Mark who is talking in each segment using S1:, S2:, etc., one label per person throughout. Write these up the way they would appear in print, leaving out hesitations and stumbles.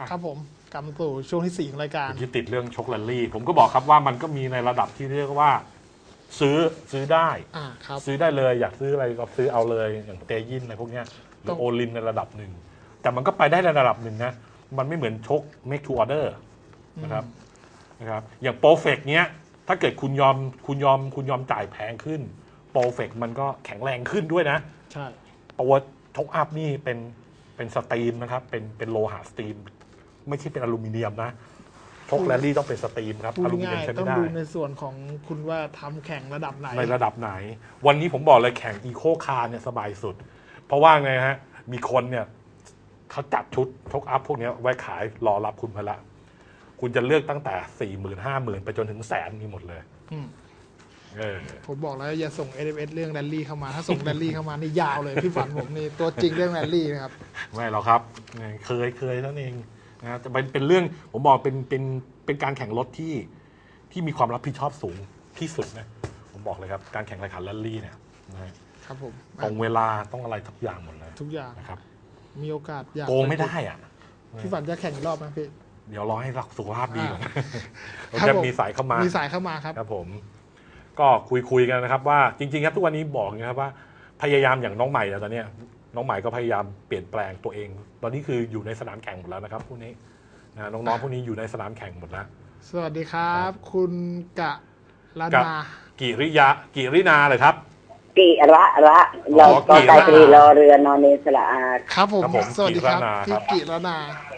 S1: ครับผมกลับมาสู่ช่วงที่4ของรายการ
S2: ที่ติดเรื่องชกแรลลี่ผมก็บอกครับว่ามันก็มีในระดับที่เรียกว่าซื้อได้
S1: ครับ
S2: ซื้อได้เลยอยากซื้ออะไรก็ซื้อเอาเลยอย่างเตยินอะไรพวกเนี้ยหรือโอลินในระดับหนึ่งแต่มันก็ไปได้ในระดับหนึ่งนะมันไม่เหมือนชก make to order นะครับอย่างโปรเฟกเนี้ยถ้าเกิดคุณยอมจ่ายแพงขึ้นโปรเฟกมันก็แข็งแรงขึ้นด้วยนะ
S1: ใช่
S2: ตัวชกอัพนี่เป็นสตีมนะครับเป็นโลหะสตีมไม่ใช่เป็นอลูมิเนียมนะชกแรลลี่ต้องเป็นสตีมครับอลูมิเนียมใช้ไม่ได้
S1: ต้องดูในส่วนของคุณว่าทำแข่งระดับไหน
S2: ในระดับไหนวันนี้ผมบอกเลยแข่งอีโคคาร์เนี่ยสบายสุดเพราะว่าไงฮะมีคนเนี่ยเขาจัดชุดชกอัพพวกนี้ไว้ขายรอรับคุณพละคุณจะเลือกตั้งแต่40,000 50,000ไปจนถึง100,000มีหมดเลย
S1: ผมบอกแล้วอย่าส่ง SMS เรื่องแรลลี่เข้ามาถ้าส่งแรลลี่เข้ามานี่ยาวเลยพี่ฝันผมนี่ตัวจริงเรื่องแรลลี่นะครับ
S2: ไม่หรอกครับเคยเท่านั้นเองนะจะเป็นเรื่องผมบอกเป็นการแข่งรถที่มีความรับผิดชอบสูงที่สุดนะผมบอกเลยครับการแข่งรายการแรลลี่เนี่ย
S1: ครับผม
S2: ตรงเวลาต้องอะไรทุกอย่างหมดเลย
S1: ทุกอย่าง
S2: นะครับ
S1: มีโอกาสอยาก
S2: โกงไม่ได้อ่ะ
S1: พี่ฝันจะแข่งอีกรอบไหมพี่
S2: เดี๋ยวรอให้สุขภาพดีก่อนครับมีสายเข้ามาครับผมก็คุยกันนะครับว่าจริงๆครับทุกวันนี้บอกนะครับว่าพยายามอย่างน้องใหม่แล้วตอนนี้น้องใหม่ก็พยายามเปลี่ยนแปลงตัวเองตอนนี้คืออยู่ในสนามแข่งหมดแล้วนะครับพวกนี้น้องๆพวกนี้อยู่ในสนามแข่งหมดแล้ว
S1: สวัสดีครับคุณกะรนา
S2: กิรินาเลยครับ
S3: กิระเราก็ไกลตรีรอเรือนอนเนสระอา
S1: ครับผมสวัสดีครับพี่กิรนา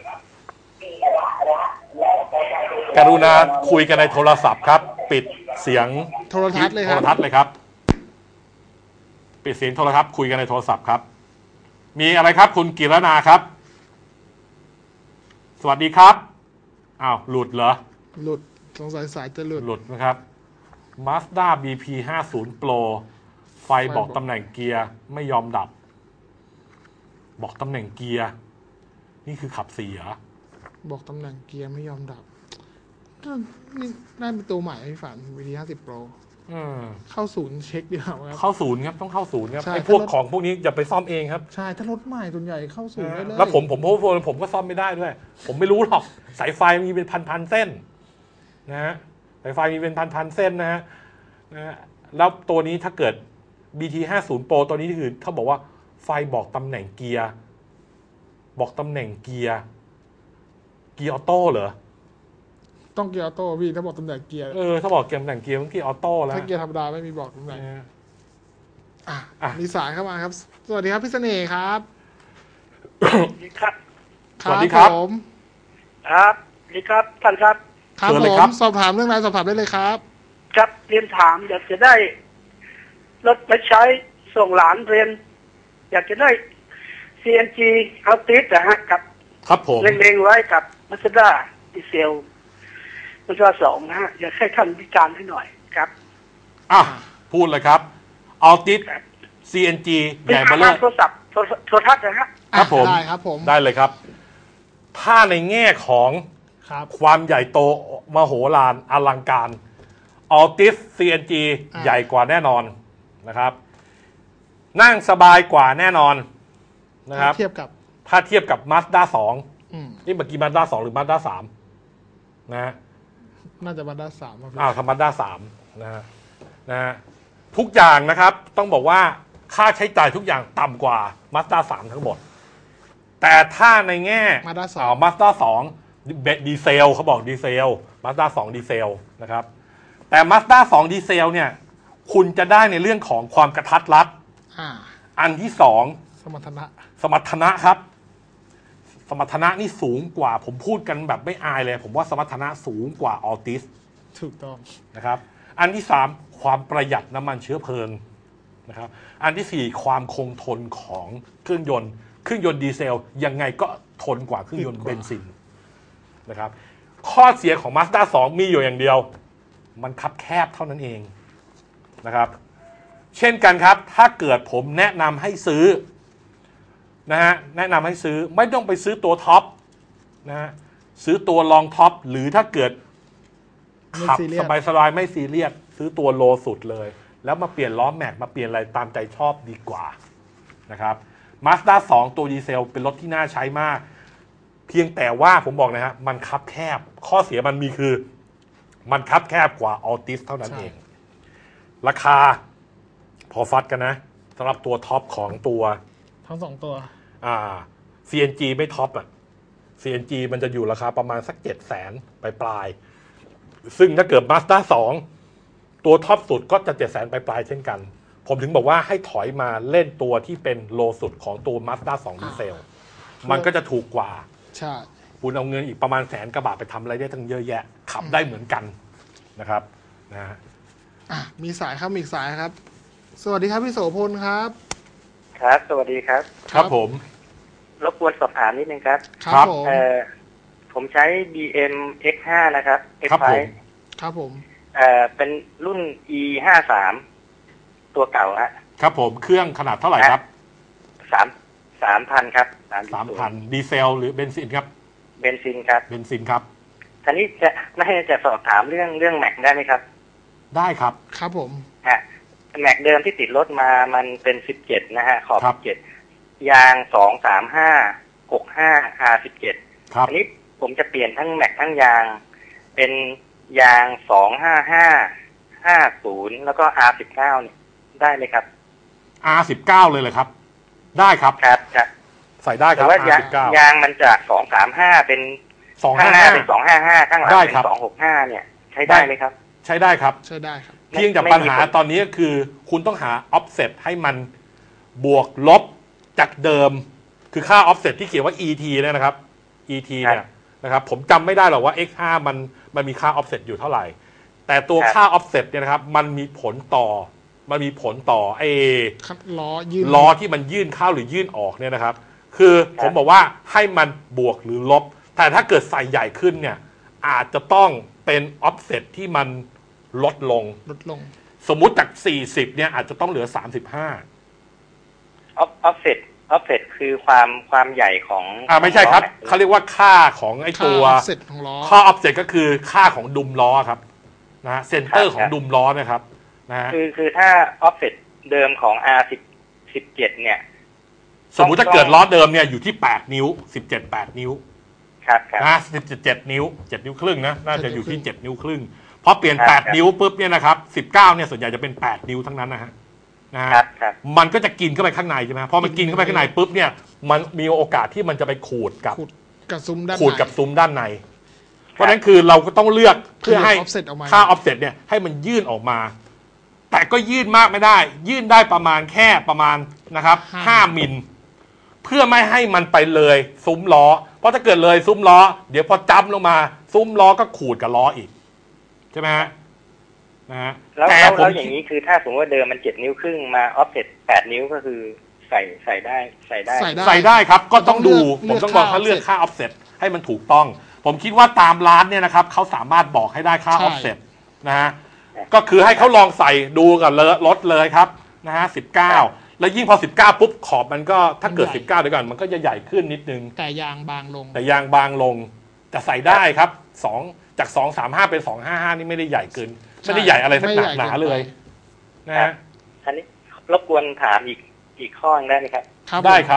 S2: การุณาคุยกันในโทรศัพท์ครับปิดเสียง
S1: โทรทัศน์เลย
S2: ครับปิดเสียงโทรทัศน์คุยกันในโทรศัพท์ครับมีอะไรครับคุณกิรนาครับสวัสดีครับอ้าวหลุดเหรอ
S1: หลุดสงสัยสายจะหลุด
S2: นะครับ Mazda BP 50 Pro ไฟบอกตำแหน่งเกียร์ไม่ยอมดับบอกตำแหน่งเกียร์นี่คือขับ4เหรอ
S1: บอกตำแหน่งเกียร์ไม่ยอมดับนี่น่าเป็นตัวใหม่พี่ฝัน VT 50 Pro เข้าศูนย์เช็คดีกว่าครับ
S2: เข้าศูนย์ครับต้องเข้าศูนย์ครับไอ้พวกของพวกนี้อย่าไปซ่อมเองครับ
S1: ใช่ถ้ารถใหม่ส่วนใหญ่เข้าศูนย์ได้เลย
S2: แล้วผมก็ซ่อมไม่ได้ด้วยผมไม่รู้หรอกสายไฟมีเป็นพันเส้นนะฮะสายไฟมีเป็นพันเส้นนะฮะแล้วตัวนี้ถ้าเกิด BT 50 Pro ตัวนี้คือเขาบอกว่าไฟบอกตำแหน่งเกียร์บอกตำแหน่งเกียร์ออโต้เหรอ
S1: ต้องเกียร์ออโต้พี่ถ้าบอกตำแหน่งเกียร์
S2: ถ้าบอกตำแหน่งเกียร์มันเกียร์ออโต้แล้ว
S1: ถ้าเกียร์ธรรมดาไม่มีบอกตำแหน่งมีสายเข้ามาครับสวัสดีครับพี่เสน่ห์ครับ
S2: สวัสดีครับ
S1: ผม
S4: ครับสวัสดีครับท่านครับ
S1: ครับผมสอบถามเรื่องอะไรสอบถามได้เลยครับ
S4: ครับเรียนถามอยากจะได้รถไปใช้ส่งหลานเรียนอยากจะได้ CNG เอาติดนะฮะ
S2: ครับผม
S4: เล็งๆไว้กับ Mazda ดีเซลMazda 2นะฮะอยากให้ท่านวิจารณ์ให้หน่อยครับ
S2: พูดเลยครับเอาติด CNG ใหญ่เบ้อเร่อ
S4: โทรศัพท์โทรทัศน์นะฮะ
S2: ครับผม
S1: ได้ครับผม
S2: ได้เลยครับถ้าในแง่ของความใหญ่โตมโหฬารอลังการAltis CNG ใหญ่กว่าแน่นอนนะครับนั่งสบายกว่าแน่นอนนะครับถ้าเทียบกับ Mazda 2นี่เมื่อกี้ Mazda 2หรือ Mazda 3นะ
S1: น่าจะ Mazda 3
S2: ครับ Mazda 3นะฮะทุกอย่างนะครับต้องบอกว่าค่าใช้จ่ายทุกอย่างต่ำกว่า Mazda 3ทั้งหมดแต่ถ้าในแง่ Mazda 2ดีเซลเขาบอกดีเซล Mazda 2ดีเซลนะครับแต่ Mazda 2ดีเซลเนี่ยคุณจะได้ในเรื่องของความกระทัดรัดอันที่2สมรรถนะครับสมรรถนะนี่สูงกว่าผมพูดกันแบบไม่อายเลยผมว่าสมรรถนะสูงกว่า Altis
S1: ถูกต้อง
S2: นะครับอันที่3ความประหยัดน้ำมันเชื้อเพลิงนะครับอันที่4ความคงทนของเครื่องยนต์ดีเซลยังไงก็ทนกว่าเครื่องยนต์เบนซินนะครับข้อเสียของ Mazda 2มีอยู่อย่างเดียวมันคับแคบเท่านั้นเองนะครับเช่นกันครับถ้าเกิดผมแนะนำให้ซื้อนะฮะแนะนำให้ซื้อไม่ต้องไปซื้อตัวท็อปนะฮะซื้อตัวรองท็อปหรือถ้าเกิดขับสบายไม่ซีเรียสซื้อตัวโลสุดเลยแล้วมาเปลี่ยนล้อแม็กมาเปลี่ยนอะไรตามใจชอบดีกว่านะครับ Mazda 2ตัวดีเซลเป็นรถที่น่าใช้มากพียงแต่ว่าผมบอกนะฮะมันคับแคบข้อเสียมันมีคือมันคับแคบกว่าออติสเท่านั้นเองราคาพอฟัดกันนะสำหรับตัวท็อปของตัว
S1: ทั้งสองตัว
S2: CNG ไม่ท็อปอ่ะ CNG มันจะอยู่ราคาประมาณสัก700,000ปลายซึ่งถ้าเกิด Mazda 2ตัวท็อปสุดก็จะ700,000ปลายเช่นกันผมถึงบอกว่าให้ถอยมาเล่นตัวที่เป็นโลสุดของตัว Mazda 2 ดีเซลมันก็จะถูกกว่า
S1: ใช่
S2: คุณเอาเงินอีกประมาณ100,000 กว่าบาทไปทำอะไรได้ทั้งเยอะแยะขับได้เหมือนกันนะครับนะฮะ
S1: มีสายครับอีกสายครับสวัสดีครับพี่โสพลครับ
S5: ครับสวัสดีครับ
S2: ครับผม
S5: รบกวนสอบถามนิดนึงครับ
S1: ครับ
S5: ผมใช้ BM X5 นะครับ
S2: X5
S1: ครับผม
S5: เป็นรุ่น E53 ตัวเก่าฮะ
S2: ครับผมเครื่องขนาดเท่าไหร่ครับ
S5: 3,000 ครับ
S2: 3,000 ดีเซลหรือเบนซินครับ
S5: เบนซินครับ
S2: เบนซินครับ
S5: ทีนี้จะสอบถามเรื่องแม็กได้ไหมครับ
S2: ได้ครับ
S1: ครับผม
S5: แม็กเดิมที่ติดรถมามันเป็น17นะฮะขอบ17ยาง23565 R17
S2: ครับ
S5: อันนี้ผมจะเปลี่ยนทั้งแม็กทั้งยางเป็นยาง25550แล้วก็ R19 เนี่ยได้ไหมครับ
S2: R19 เลยเหรอครับได้ครับ
S5: ครับ
S2: ใส่ได้ครับ
S5: แต่ว่ายางมันจาก235เป็นข้างหน้าเป็น255ข้างหลังเป็น265เนี่ยใช้ได้ไหมครับ
S2: ใช้ได้ครับ
S1: ใช้ได้ครับ
S2: เพียงแต่ปัญหาตอนนี้ก็คือคุณต้องหา offset ให้มันบวกลบจากเดิมคือค่า offset ที่เขียนว่า ET เนี่ยนะครับ ET เนี่ยนะครับผมจำไม่ได้หรอกว่า X5 มันมีค่า offset อยู่เท่าไหร่แต่ตัวค่า offset เนี่ยนะครับมันมีผลต่อไอ้ล้อที่มันยื่นเข้าหรือยื่นออกเนี่ยนะครับคือผมบอกว่าให้มันบวกหรือลบแต่ถ้าเกิดใส่ใหญ่ขึ้นเนี่ยอาจจะต้องเป็น offset ที่มันลดลงสมมุติจาก40เนี่ยอาจจะต้องเหลือ35
S5: offset คือความใหญ่ของ
S2: ไม่ใช่ครับเขาเรียกว่าค่าของไอ้ตัวค่า offset ก็คือค่าของดุมล้อครับนะเซนเตอร์ของดุมล้อนะครับนะ
S5: คือถ้า offset เดิมของ R17 เนี่ย
S2: สมมุติถ้าเกิดล้อเดิมเนี่ยอยู่ที่8นิ้ว17 8นิ้ว
S5: ครับ
S2: นะ17นิ้ว7นิ้วครึ่งนะน่าจะอยู่ที่7นิ้วครึ่งพอเปลี่ยน8นิ้วปุ๊บเนี่ยนะครับ19เนี่ยส่วนใหญ่จะเป็น8นิ้วทั้งนั้นนะฮะมันก็จะกินเข้าไปข้างในใช่ไหมพอมันกินเข้าไปข้างในปุ๊บเนี่ยมันมีโอกาสที่มันจะไปขูดกับ
S1: ซุ้ม
S2: ด้านในเพราะนั้นคือเราก็ต้องเลือกเพื่อให้ค่า offset เนี่ยให้มันยื่นออกมาแต่ก็ยื่นมากไม่ได้ยื่นได้ประมาณนะครับ5 มิลเพื่อไม่ให้มันไปเลยซุ้มล้อเพราะถ้าเกิดเลยซุ้มล้อเดี๋ยวพอจ้ำลงมาซุ้มล้อก็ขูดกับล้ออีกใช่ไหมฮะนะฮะ
S5: แล้วอย่างนี้คือถ้าสมมติว่าเดิมมัน7 นิ้วครึ่งมา offset 8 นิ้วก็คือใส่
S2: ได้ครับก็ต้องดูผมต้องบอกถ้าเลือกค่า offset ให้มันถูกต้องผมคิดว่าตามร้านเนี่ยนะครับเขาสามารถบอกให้ได้ค่า offset นะฮะก็คือให้เขาลองใส่ดูกับรถเลยครับนะฮะ19แล้วยิ่งพอ19ปุ๊บขอบมันก็ถ้าเกิด19เดี๋ยวก่อนมันก็จะใหญ่ขึ้นนิดนึง
S1: แต่ยางบางลง
S2: แต่ใส่ได้ครับ2จาก235เป็น255นี่ไม่ได้ใหญ่เกินไม่ได้ใหญ่อะไรสักหนาเลยนะฮะ
S5: อันนี้รบกวนถามอีกข้อนึงได้ไหมครับ
S2: ได้ครับ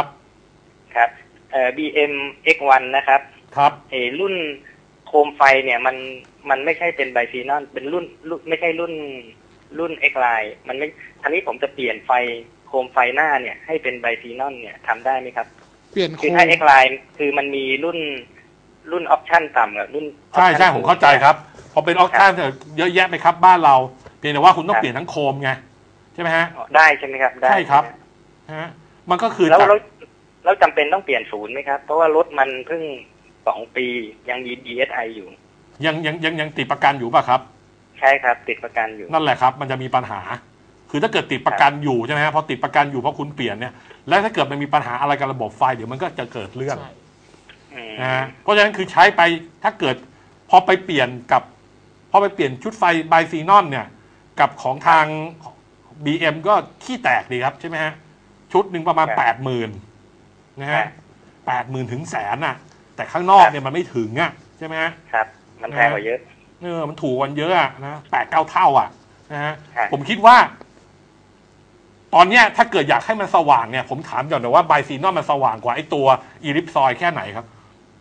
S5: BM X1 นะครับรุ่นโคมไฟเนี่ยมันไม่ใช่เป็นไบฟีนอลเป็นรุ่นไม่ใช่รุ่น X Line มันไม่ทีนี้ผมจะเปลี่ยนไฟโคมไฟหน้าเนี่ยให้เป็นไบฟีนอลเนี่ยทำได้ไหมครับ
S1: เปลี่ยน
S5: คือถ้า X Line คือมันมีรุ่นออปชั่นต่ำกับรุ่น
S2: ใช่ผมเข้าใจครับพอเป็นออปชั่นเยอะแยะไปครับบ้านเราเพียงแต่ว่าคุณต้องเปลี่ยนทั้งโคมไงใช่ไหมฮะ
S5: ได้ใช่ไหมครับ
S2: ใช่ครับฮะมันก็คือ
S5: แล้วจำเป็นต้องเปลี่ยนศูนย์ไหมครับเพราะว่ารถมันเพิ่ง2 ปียังมี DSI อยู่
S2: ยังติดประกันอยู่ป่ะครับ
S5: ใช่ครับติดประกันอยู่
S2: นั่นแหละครับมันจะมีปัญหาคือถ้าเกิดติดประกันอยู่ใช่ไหมฮะพอติดประกันอยู่เพราะคุณเปลี่ยนเนี่ยแล้วถ้าเกิดมันมีปัญหาอะไรกับระบบไฟเดี๋ยวมันก็จะเกิดเรื่องนะฮะเพราะฉะนั้นคือใช้ไปถ้าเกิดพอไปเปลี่ยนชุดไฟไบซีนอนเนี่ยกับของทาง BM ก็ขี้แตกดีครับใช่ไหมฮะชุดหนึ่งประมาณ 80,000 นะฮะ 80,000 ถึง100,000น่ะแต่ข้างนอกเนี่ยมันไม่ถึงอ่ะใช่ไหมฮะ
S5: ครับมันแพงกว่าเยอะ
S2: มันถูกกว่าเยอะอ่ะนะ 8-9 เท่าอ่ะนะฮะผมคิดว่าตอนเนี้ยถ้าเกิดอยากให้มันสว่างเนี่ยผมถามก่อนนะว่าไบซีนอนมันสว่างกว่าไอ้ตัวอีลิปซอยแค่ไหนครับ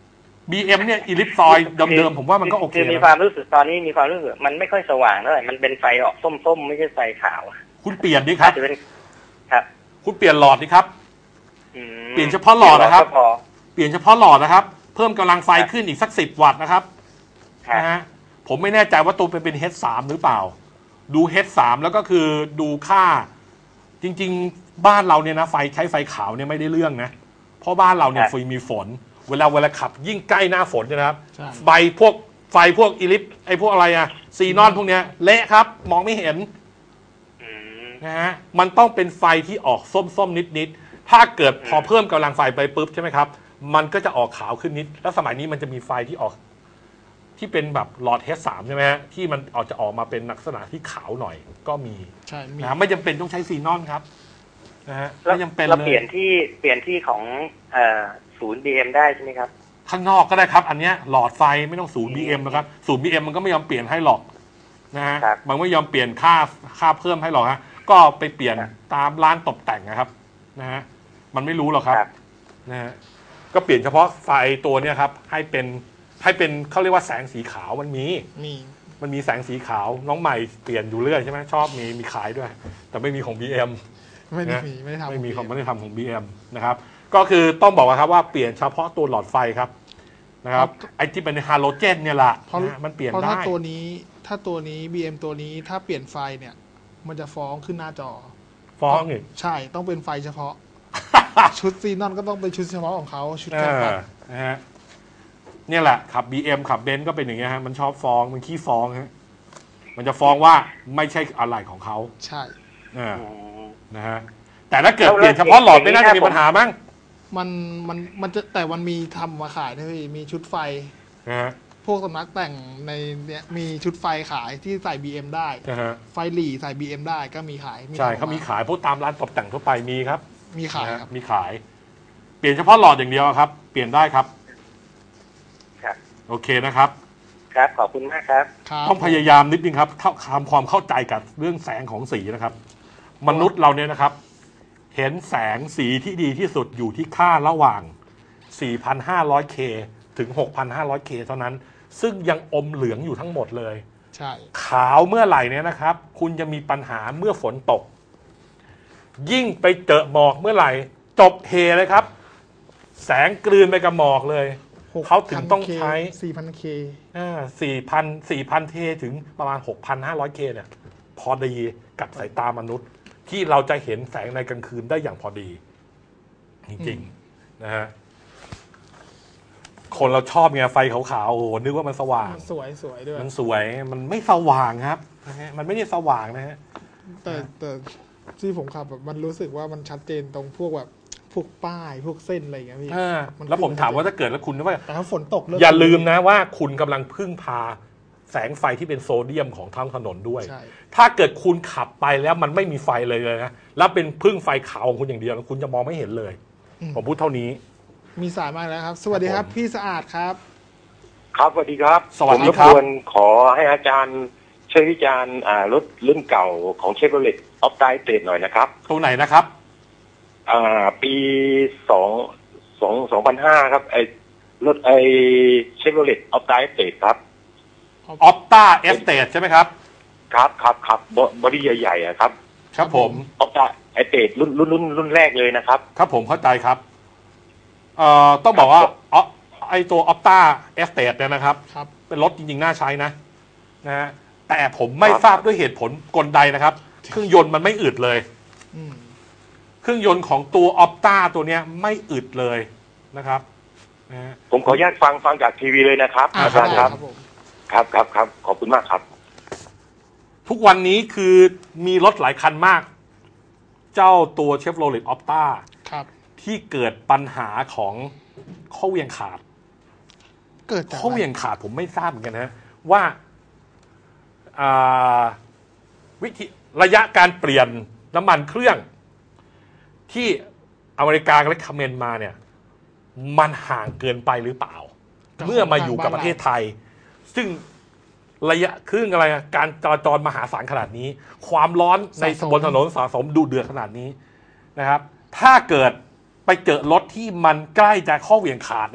S2: BM เนี่ยอีลิปซอยเดิมๆผมว่ามันก็โอเค
S5: คือมีความรู้สึกตอนนี้มีความรู้สึกมันไม่ค่อยสว่างเท่าไหร่มันเป็นไฟออกส้มๆไม่ใช่ไฟขาว
S2: คุณเปลี่ยนดิครับ
S5: จะเป็นครับ
S2: คุณเปลี่ยนหลอดดิครับ เปลี่ยนเฉพาะหลอดนะครับเปลี่ยนเฉพาะหลอดนะครับเพิ่มกำลังไฟขึ้นอีกสัก10 วัตต์นะครับนะฮะผมไม่แน่ใจว่าตัวเป็น H3 หรือเปล่าดู H3 แล้วก็คือดูค่าจริงๆบ้านเราเนี่ยนะใช้ไฟขาวเนี่ยไม่ได้เรื่องนะเพราะบ้านเราเนี่ยมีฝนเวลาขับยิ่งใกล้หน้าฝนนะครับไฟพวกอีลิปไอพวกอะไรอะซีนอนพวกเนี้ยเละครับมองไม่เห็นนะฮะมันต้องเป็นไฟที่ออกส้มๆนิดๆถ้าเกิดพอเพิ่มกำลังไฟไปปุ๊บใช่ไหมครับมันก็จะออกขาวขึ้นนิดแล้วสมัยนี้มันจะมีไฟที่ออกที่เป็นแบบหลอด H3 ใช่ไหมฮะที่มันจะออกมาเป็นลักษณะที่ขาวหน่อยก็มี
S1: ใช่
S2: นะไม่จำเป็นต้องใช้ซีนอนครับนะฮะไม่จำเป็น
S5: เราเปลี่ยนที่ของศูนย์ BM ได้ใช่ไหมครับ
S2: ข้างนอกก็ได้ครับอันเนี้ยหลอดไฟไม่ต้องศูนย์ BM นะครับศูนย์ BM มันก็ไม่ยอมเปลี่ยนให้หรอกนะฮะมันไม่ยอมเปลี่ยนค่าเพิ่มให้หรอกฮะก็ไปเปลี่ยนตามร้านตกแต่งนะครับนะฮะมันไม่รู้หรอกครับนะฮะก็เปลี่ยนเฉพาะไฟตัวเนี้ยครับให้เป็นเขาเรียกว่าแสงสีขาวมันมีแสงสีขาวน้องใหม่เปลี่ยนอยู่เรื่อยใช่ไหมชอบมีขายด้วยแต่ไม่มีของ BM
S1: ไม่ได้ทำ
S2: ของ BM นะครับก็คือต้องบอกว่าครับว่าเปลี่ยนเฉพาะตัวหลอดไฟครับนะครับไอ้ที่เป็นฮาโลเจนเนี่ยแหละมันเปลี่ยนได้เพราะถ้า
S1: ตัวนี้ BM ตัวนี้ถ้าเปลี่ยนไฟเนี่ยมันจะฟ้องขึ้นหน้าจอ
S2: ฟ้องอีก
S1: ใช่ต้องเป็นไฟเฉพาะ ชุดซีนอนก็ต้องเป็นชุดเฉพาะของเขาชุดแค่
S2: นะฮะเนี่ยแหละขับ BM ขับเบนซ์ก็เป็นอย่างเงี้ยฮะมันชอบฟ้องมันขี้ฟ้องฮะมันจะฟ้องว่าไม่ใช่อะไรของเขา
S1: ใช่
S2: นะฮะแต่ถ้าเกิดเปลี่ยนเฉพาะหลอดไม่น่าจะมีปัญหามั้ง
S1: มันจะแต่มันมีทำมาขายนะพี่มีชุดไฟพวกสำนักแต่งในเนี้ยมีชุดไฟขายที่ใส่ BM ได้ไฟหลีใส่ BM ได้ก็มีขาย
S2: ใช่เขามีขายพวกตามร้านตกแต่งทั่วไปมีครับ
S1: มีขายครับ
S2: มีขายเปลี่ยนเฉพาะหลอดอย่างเดียวครับเปลี่ยนได้ครับโอเคนะครับ
S5: ครับขอบคุณมากครับ
S2: ต้องพยายามนิดนึงครับทำความเข้าใจกับเรื่องแสงของสีนะครับมนุษย์เราเนี่ยนะครับเห็นแสงสีที่ดีที่สุดอยู่ที่ค่าระหว่าง 4,500K ถึง 6,500K เท่านั้นซึ่งยังอมเหลืองอยู่ทั้งหมดเลย
S1: ใช่
S2: ขาวเมื่อไหร่เนี่ยนะครับคุณจะมีปัญหาเมื่อฝนตกยิ่งไปเจอหมอกเมื่อไหร่จบเทเลยครับแสงกลืนไปกับหมอกเลยเขาถึงต้องใช้
S1: 4,000K
S2: 4,000K ถึงประมาณ 6,500K เนี่ยพอดีกับสายตามนุษย์ที่เราจะเห็นแสงในกลางคืนได้อย่างพอดีจริงๆนะฮะคนเราชอบไงไฟขาวๆโอ้นึกว่ามันสว่าง
S1: สวยด้วย
S2: มันสวยมันไม่สว่างครับนะฮะมันไม่ได้สว่างนะฮะ
S1: แต่ที่ผมขับแบบมันรู้สึกว่ามันชัดเจนตรงพวกแบบพวกป้ายพวกเส้นอะไรอย่างเงี้ยพี่
S2: แล้วผมถามว่าถ้าเกิดแล้วคุณว่า
S1: แต่ถ้าฝนตก
S2: อย่าลืมนะว่าคุณกำลังพึ่งพาแสงไฟที่เป็นโซเดียมของท้องถนนด้วยถ้าเกิดคุณขับไปแล้วมันไม่มีไฟเลยนะแล้วเป็นพึ่งไฟขาวของคุณอย่างเดียวคุณจะมองไม่เห็นเลยผมพูดเท่านี้
S1: มีสายมากแล้วครับสวัสดีครับพี่สะอาดครับ
S6: ครับสวัสดีครับ
S2: สวัสดีครับ
S6: ผมขอให้อาจารย์ช่วยวิจารณ์รถรุ่นเก่าของเชฟโรเลตออฟไดเตดหน่อยนะครับ
S2: ตัวไหนนะครับ
S6: ปี2005ครับรถเชฟโรเลตออฟไดเตดครับ
S2: ออฟต้าเอสเตดใช่ไหมครับ
S6: ครับบอดี้ใหญ่ๆครับ
S2: ครับผม
S6: ออฟต้าเอสเตดรุ่นแรกเลยนะครับ
S2: ครับผมเข้าใจครับต้องบอกว่าไอตัวออฟต้าเอสเตดเนี่ยนะครับเป็นรถจริงๆน่าใช้นะฮะแต่ผมไม่ทราบด้วยเหตุผลกลใดนะครับเครื่องยนต์มันไม่อึดเลยเครื่องยนต์ของตัวออฟต้าตัวเนี้ยไม่อึดเลยนะครับ
S6: ผมขออนุญาตฟังจากทีวีเลยนะครับอาจารย์ครับครับขอบคุณมากครับ
S2: ทุกวันนี้คือมีรถหลายคันมากเจ้าตัว Chevrolet Opta ที่เกิดปัญหาของข้อเหวี่ยงขาดข้อเหวี่ยงขาดผมไม่ทราบเหมือนกันนะว่าวิธีระยะการเปลี่ยนน้ำมันเครื่องที่อเมริกาและคอมเมนต์มาเนี่ยมันห่างเกินไปหรือเปล่าเมื่อมาอยู่กับประเทศไทยซึ่งระยะครึ่งอะไรการจราจรมหาศาลขนาดนี้ความร้อนในบนถนนสะสมดุเดือดขนาดนี้นะครับถ้าเกิดไปเจอรถที่มันใกล้จะข้อเหวี่ยงขาดเนี่ย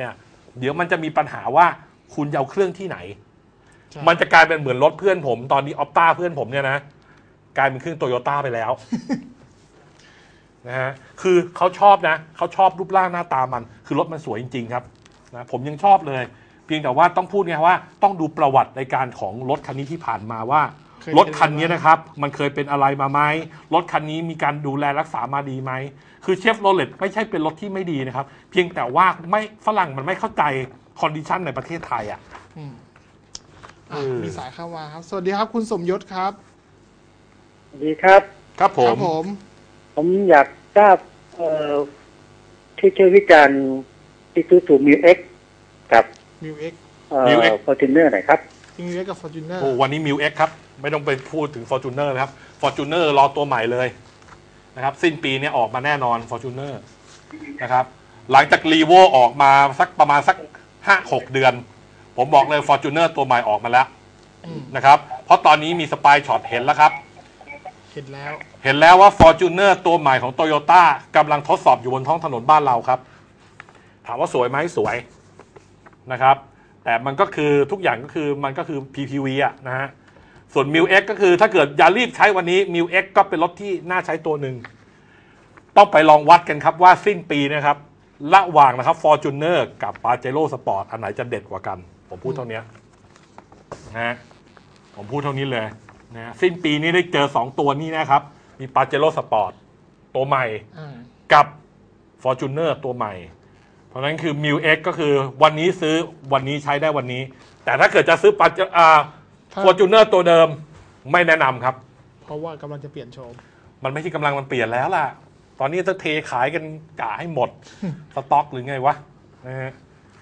S2: เดี๋ยวมันจะมีปัญหาว่าคุณจะเอาเครื่องที่ไหนมันจะกลายเป็นเหมือนรถเพื่อนผมตอนนี้ออปต้าเพื่อนผมเนี่ยนะกลายเป็นเครื่องโตโยต้าไปแล้ว นะฮะคือเขาชอบนะเขาชอบรูปร่างหน้าตามันคือรถมันสวยจริงๆครับนะผมยังชอบเลยเพียงแต่ว่าต้องพูดไงว่าต้องดูประวัติในการของรถคันนี้ที่ผ่านมาว่ารถคันนี้นะครับมันเคยเป็นอะไรมาไหมรถคันนี้มีการดูแลรักษามาดีไหมคือเชฟโรเลตไม่ใช่เป็นรถที่ไม่ดีนะครับเพียงแต่ว่าไม่ฝรั่งมันไม่เข้าใจคอนดิชันในประเทศไทยอ่ะ
S1: มีสายเข้ามาครับสวัสดีครับคุณสมยศครับ
S4: ดีครับ
S2: ครับผม
S4: ผมอยากทราบที่ช่วยวิจารณ์ที่ซื้อสูมิวเอ็กกับ
S1: มิวเอ็ก
S4: ฟอร์จูเนอร์หน่อยครับ
S1: มิวเอ็กกับฟอร์จูเนอร์
S2: วันนี้มิวเอ็กครับไม่ต้องไปพูดถึงฟอร์จูเนอร์นะครับฟอร์จูเนอร์รอตัวใหม่เลยนะครับสิ้นปีนี้ออกมาแน่นอนฟอร์จูเนอร์นะครับหลังจากรีโวออกมาสักประมาณสัก 5-6 เดือนผมบอกเลยฟอร์จูเนอร์ตัวใหม่ออกมาแล้วนะครับเพราะตอนนี้มีสปายช็อตเห็นแล้วครับ
S1: เห็น
S2: แล้วว่า Fortuner ตัวใหม่ของ Toyota กำลังทดสอบอยู่บนท้องถนนบ้านเราครับถามว่าสวยไหมสวยนะครับแต่มันก็คือทุกอย่างก็คือมันก็คือ PPV อะนะฮะส่วน Mil X ก็คือถ้าเกิดอย่ารีบใช้วันนี้ Mil X ก็เป็นรถที่น่าใช้ตัวหนึ่งต้องไปลองวัดกันครับว่าสิ้นปีนะครับระหว่างนะครับ Fortuner กับ Pajero Sport อันไหนจะเด็ดกว่ากันผมพูดเท่านี้นะผมพูดเท่านี้เลยนะสิ้นปีนี้ได้เจอ2ตัวนี้นะครับมี Pajero Sport ตัวใหม่กับ Fortuner ตัวใหม่เพราะนั้นคือ Mil X ก็คือวันนี้ซื้อวันนี้ใช้ได้วันนี้แต่ถ้าเกิดจะซื้อFortuner ตัวเดิมไม่แนะนำครับ
S1: เพราะว่ากำลังจะเปลี่ยนโฉม
S2: มันไม่ใช่กำลังมันเปลี่ยนแล้วล่ะตอนนี้จะเทขายกันกะให้หมด สต็อกหรือไงวะนะฮะ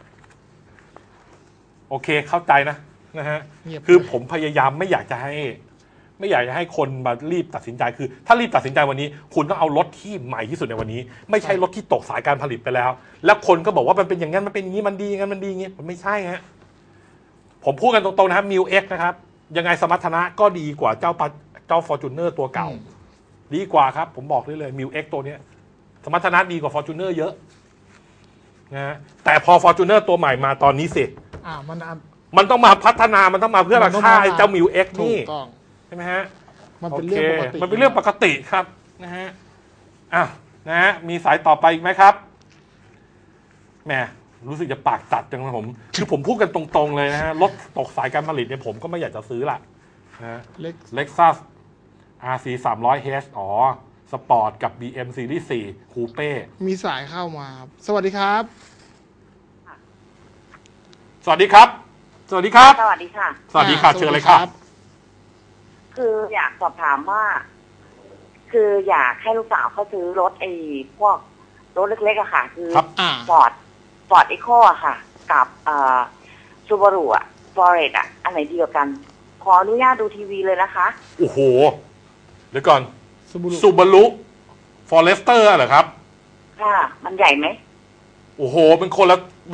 S2: โอเคเข้าใจนะฮะคือผมพยายามไม่อยากจะให้คนมารีบตัดสินใจคือถ้ารีบตัดสินใจวันนี้คุณต้องเอารถที่ใหม่ที่สุดในวันนี้ไม่ใช่รถที่ตกสายการผลิตไปแล้วแล้วคนก็บอกว่ามันเป็นอย่างนั้นมันเป็นอย่างนี้มันดีอย่างนั้นมันดีอย่างนี้มันไม่ใช่ฮะผมพูดกันตรงๆนะครับ Mil X นะครับยังไงสมรรถนะก็ดีกว่าเจ้า Fortuner ตัวเก่าดีกว่าครับผมบอกได้เลย Mil X ตัวนี้สมรรถนะดีกว่า Fortuner เยอะนะแต่พอ Fortuner ตัวใหม่มาตอนนี้สิมันต้องมาพัฒนามันต้องมาเพื่อราคาเจ้า Mil X นี่ใช่ไหมฮะ
S1: มันเป็นเรื่องปกติ
S2: มันเป็นเรื่องปกติครับนะฮะนะฮะมีสายต่อไปอีกไหมครับแหมรู้สึกจะปากจัดจังเลยคือผมพูดกันตรงๆเลยนะฮะรถตกสายการผลิตเนี่ยผมก็ไม่อยากจะซื้อละนะLexus RC 300H สปอร์ตกับ BM Series 4 คูเป้
S1: มีสายเข้ามาสวัสดีครับ
S2: สวัสดีครับสวัสดีครับ
S3: สวัสดีค่ะ
S2: สวัสดีค่ะเชิญเลยครับ
S3: คืออยากสอบถามว่าคืออยากให้ลูกสาวเขาซื้อรถพวกรถเล็กๆอะค่ะคือฟอร์ดอีโคอะค่ะกับซูบารุอะฟอเรสอะอันไหนดีกว่ากันขออนุญาตดูทีวีเลยนะคะ
S2: โอ้โหเดี๋ยวก่อนซูบารุฟอเรสเตอร์เหรอครับ
S3: ค่ะมันใหญ่ไหม
S2: โอ้โหมันคนละ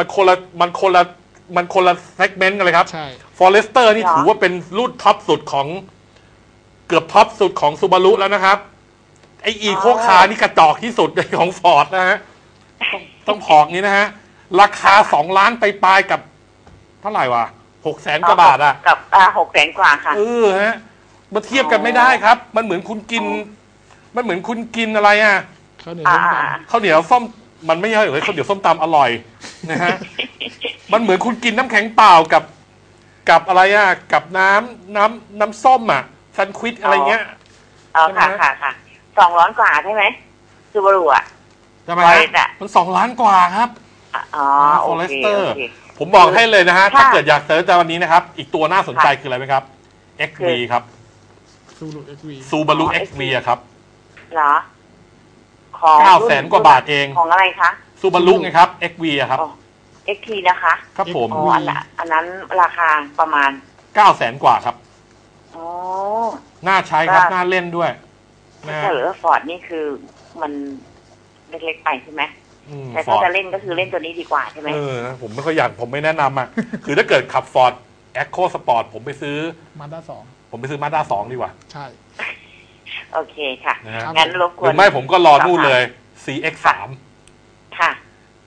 S2: เซกเมนต์กันเลยครับ
S1: ใช่
S2: ฟอเรสเตอร์นี่ถือว่าเป็นรุ่นท็อปสุดของเกือบท็อปสุดของซูบารุแล้วนะครับไออีโคคาร์นี่กระจอกที่สุดของฟอร์ดนะฮะต้องพอกนี้นะฮะราคา2 ล้านไปปลายกับเท่าไหร่วะ600,000 กว่าบาทอะ
S3: กับ600,000 กว่าค่ะ
S2: ฮะมาเทียบกันไม่ได้ครับมันเหมือนคุณกินอะไรอะ
S1: ข้าวเหนียว
S2: ส้มมันไม่ใช่เลยข้าวเหนียวส้มตำอร่อยนะฮะมันเหมือนคุณกินน้ำแข็งเปล่ากับอะไรอะกับน้ำส้มอะซันควิดอะไรเงี้ย
S3: ค่ะ2 ล้านกว่าใช่ไหมซูบารุอะ
S2: ใช่ไหมมัน2 ล้านกว่าครับ
S3: ฟอเรสเตอร์
S2: ผมบอกให้เลยนะฮะถ้าเกิดอยากเซิร์ชวันนี้นะครับอีกตัวน่าสนใจคืออะไรไหมครับ XV ครับซูบารุ XV ครับ
S3: เหรอ
S2: 900,000 กว่าบาทเอง
S3: ของอะไรคะ
S2: ซูบารุไงครับ XV ครับ
S3: XT นะคะ
S2: ครับผม
S3: อันนั้นราคาประมาณ
S2: 900,000 กว่าครับน่าใช้ครับน่าเล่นด้วย
S3: ถ้าเหลือฟอร์ดนี่คือมันเล็กๆไปใช่ไหมแต่ถ้าจะเล่นก็คือเล่นตัวนี้ดีกว่าใช่ไหม
S2: ผมไม่ค่อยอยากผมไม่แนะนำอ่ะคือถ้าเกิดขับฟอร์ดแอคโคสปอร์ตผมไปซื้อ
S1: มาด้า2
S2: ผมไปซื้อมาด้า2ดีกว่า
S1: ใช่
S3: โอเคค่ะงั้นรบกวน
S2: หรือไม่ผมก็รอนู่นเลย CX3
S3: ค่ะ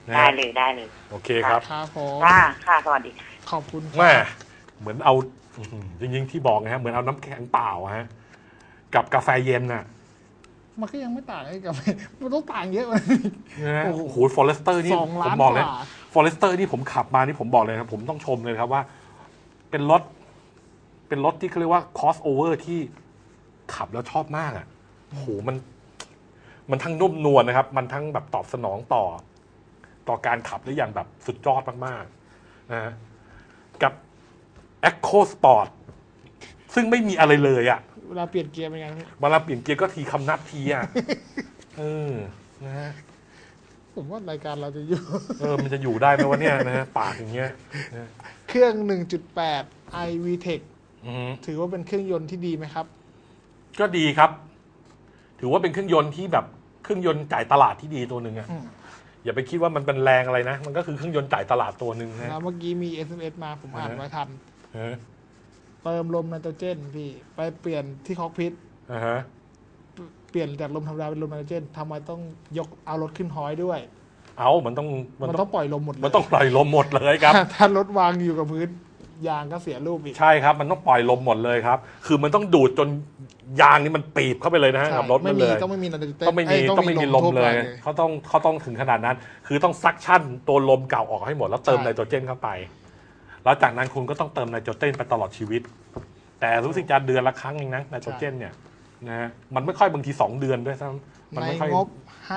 S3: ได้เลยได้เลย
S2: โอเคครับ
S1: ครับผม
S3: ค่ะสวัสดี
S1: ขอบคุณ
S2: แม่เหมือนเอาจริงๆที่บอกนะฮะเหมือนเอาน้ำแข็งเปล่าฮะกับกาแฟเย็นน่ะ
S1: มันก็ยังไม่ต่างกับมันต้องต่างเยอะเลย
S2: นะโอ้โหฟอเรสเตอร์นี่ผมบอกเลยฟอเรสเตอร์นี่ผมขับมานี่ผมบอกเลยครับผมต้องชมเลยครับว่าเป็นรถที่เขาเรียกว่าคอสโอเวอร์ที่ขับแล้วชอบมากอ่ะโอ้โหมันทั้งนุ่มนวลนะครับมันทั้งแบบตอบสนองต่อการขับได้อย่างแบบสุดยอดมากๆนะกับ Echo Sport ซึ่งไม่มีอะไรเลยอ่ะ
S1: เวลาเปลี่ยนเกียร์เป็นไง
S2: เวลาเปลี่ยนเกียร์ก็ทีคำนับทีอ่ะนะฮะ
S1: ผมว่ารายการเราจะอยู่
S2: มันจะอยู่ได้ไหมวะเนี่ยนะฮะปากอย่างเงี้ย
S1: เครื่อง 1.8 iVTEC ถือว่าเป็นเครื่องยนต์ที่ดีไหมครับ
S2: ก็ดีครับถือว่าเป็นเครื่องยนต์ที่แบบเครื่องยนต์จ่ายตลาดที่ดีตัวหนึ่งอ่ะอย่าไปคิดว่ามันเป็นแรงอะไรนะมันก็คือเครื่องยนต์จ่ายตลาดตัวหนึ่งนะ
S1: แล้วเมื่อกี้มี SMS มาผมอ่านไว้ทันเติมลมไนโตรเจนพี่ไปเปลี่ยนที่คอกพิทเปลี่ยนจากลมธรรมดาเป็นลมไนโตรเจนทำไมต้องยกเอารถขึ้นฮอยด้วย
S2: มันต้อง
S1: ปล่อยลมหมดเลย
S2: มันต้องปล่อยลมหมดเลยครับ
S1: ถ้ารถวางอยู่กับพื้นยางก็เสียรูปอีก
S2: ใช่ครับมันต้องปล่อยลมหมดเลยครับคือมันต้องดูดจนยางนี่มันปีบเข้าไปเลยนะฮะกับรถมันเลย
S1: ต้องไม่มี
S2: ต้องไม่มีลมเลยเขาต้องถึงขนาดนั้นคือต้องซักชั่นตัวลมเก่าออกให้หมดแล้วเติมไนโตรเจนเข้าไปแล้วจากนั้นคุณก็ต้องเติมไนโตรเจนไปตลอดชีวิตแต่รู้สึกจะเดือนละครั้งเองนะไนโตรเจนเนี่ยนะมันไม่ค่อยบางที2 เดือนด้วยซ้ำ
S1: ในงบ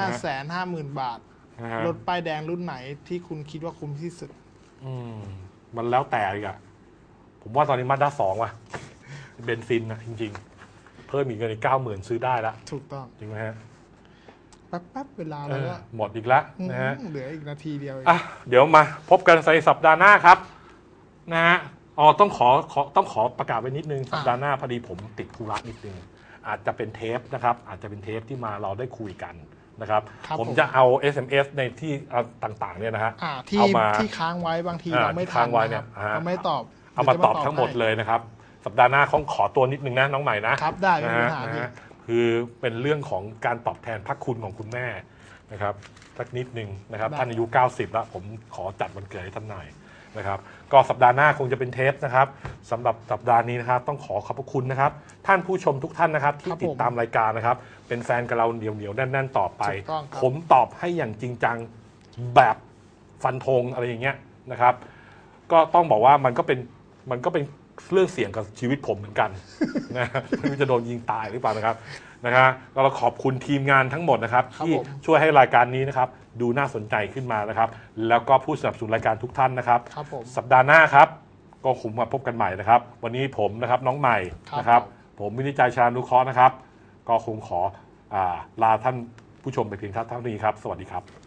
S1: 550,000 บาทรถป้ายแดงรุ่นไหนที่คุณคิดว่าคุ้มที่สุด
S2: มันแล้วแต่อีกอะผมว่าตอนนี้มาด้า2ว่ะเบนซินนะจริงๆเพิ่มอีกเงินอีก 90,000 ซื้อได้ละ
S1: ถูกต้อง
S2: จริงไหมฮะ
S1: แป๊บเวลาแล้วก็
S2: หมดอีกแล้วนะฮะ
S1: เหลืออีกนาทีเดียว
S2: เดี๋ยวมาพบกันในสัปดาห์หน้าครับนะฮะต้องขอประกาศไว้นิดนึงสัปดาห์หน้าพอดีผมติดธุระนิดนึงอาจจะเป็นเทปนะครับอาจจะเป็นเทปที่มาเราได้คุยกันนะครับผมจะเอา SMS ในที่ต่างๆเนี่ยนะฮะ
S1: ที่ค้างไว้บางทีเราไม่ทันเราไม่ตอบ
S2: เอามาตอบทั้งหมดเลยนะครับสัปดาห์หน้าขอตัวนิดนึงนะน้องใหม่นะครับ
S1: ได้ไม่มีปัญหา
S2: คือเป็นเรื่องของการตอบแทนพระคุณของคุณแม่นะครับสักนิดนึงนะครับท่านอายุ90แล้วผมขอจัดวันเกิดให้ท่านหน่อยนะครับก็สัปดาห์หน้าคงจะเป็นเทปนะครับสำหรับสัปดาห์นี้นะครับต้องขอบพระคุณนะครับท่านผู้ชมทุกท่านนะครับที่ติดตามรายการนะครับเป็นแฟนกับเราเหนียวๆแน่นๆต่อไปผมตอบให้อย่างจริงจังแบบฟันธงอะไรอย่างเงี้ยนะครับก็ต้องบอกว่ามันก็เป็นเรื่องเสี่ยงกับชีวิตผมเหมือนกันนะไม่รู้จะโดนยิงตายหรือเปล่านะครับเราขอบคุณทีมงานทั้งหมดนะครับที่ช่วยให้รายการนี้นะครับดูน่าสนใจขึ้นมานะครับแล้วก็ผู้สนับสนุนรายการทุกท่านนะครับสัปดาห์หน้าครับก็คงมาพบกันใหม่นะครับวันนี้ผมนะครับน้องใหม่นะครับผมวินิจฉัยชานุเคราะห์นะครับก็คงขอลาท่านผู้ชมไปเพียงเท่านี้ครับสวัสดีครับ